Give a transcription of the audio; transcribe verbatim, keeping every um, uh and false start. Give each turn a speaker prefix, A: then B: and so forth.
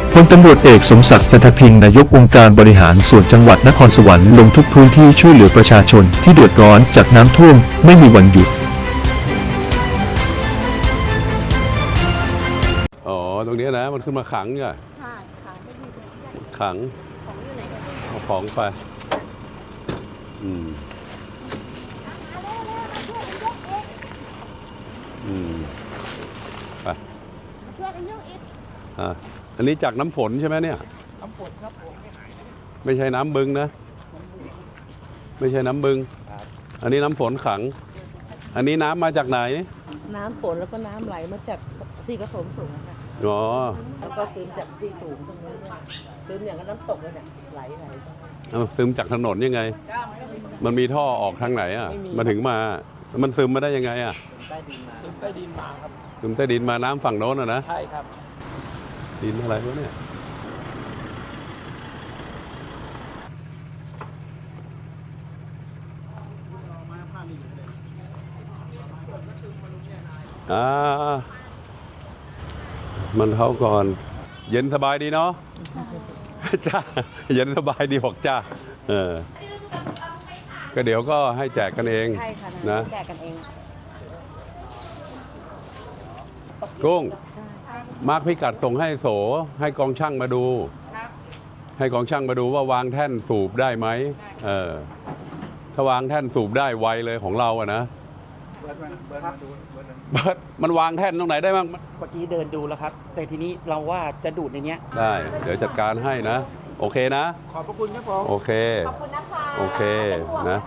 A: พลตำรวจเอกสมศักดิ์จันทพิงค์นายกองค์การบริหารส่วนจังหวัดนครสวรรค์ลงทุกพื้นที่ช่วยเหลือประชาชนที่เดือดร้อนจากน้ำท่วมไม่มีวันหยุด
B: อ๋อตรงนี้นะมันขึ้นมาขังเนี่ย
C: ค่ะค่ะไม่มีเป็นที่
B: ขัง
C: ของอยู่ไหนกัน
B: เอาของไปอืมอืมไป
C: ช่วยกันยกอีก
B: อ่ะอันนี้จากน้ำฝนใช่ไหมเนี่ย
C: น้ำฝนครับผม
B: ไม่ใช่น้ำบึงนะ ไม่ใช่น้ำบึงอันนี้น้ำฝนขัง อันนี้น้ำมาจากไหน
D: น้ำฝนแล้วก็น้ำไหลมาจากที่กระโถมสูงค่ะ
B: อ๋อ
D: แล้วก็ซึมจากที่สูงตรงนี้เนี่ยซึมอย่างกับน้ำตกเลยเนี่ยไหลไหล
B: เอาซึมจากถนนยังไง มันมีท่อออกทางไหนอ่ะ มาถึงมา มันซึมมาได้ยังไงอ่ะ
E: ใต้ดินมาซึมใต้ดินมาครับ
B: ซึมใต้ดินมาน้ำฝั่งโน้นอ่ะนะ
E: ใช่ครับ
B: ดินอะไรวะเนี่ยอ่ามันเท่าก่อน เย็นสบายดีเนาะ จ้า เย็นสบายดีบอกจ้า เออ ก็เดี๋ยวก็ให้แจกกันเอง
C: ใช่ค่ะ
B: นะ
C: แจกกันเอง
B: กุ้ง มาร์คพิกัดส่งให้โส ให้กองช่างมาดู ให้กองช่างมาดูว่าวางแท่นสูบได้ไหมเออ ถ้าวางแท่นสูบได้ไวเลยของเราอะนะเบิร์ดมันวางแท่นตรงไหนได้บ้าง
E: เมื่อกี้เดินดูแล้วครับ แต่ทีนี้เราว่าจะดูดในเนี้ย
B: ได้ เดี๋ยวจัดการให้นะ โอเคนะ
E: ขอบพระคุณครับผม
B: โอเค
C: ขอบคุณนะคะ
B: โอเคนะ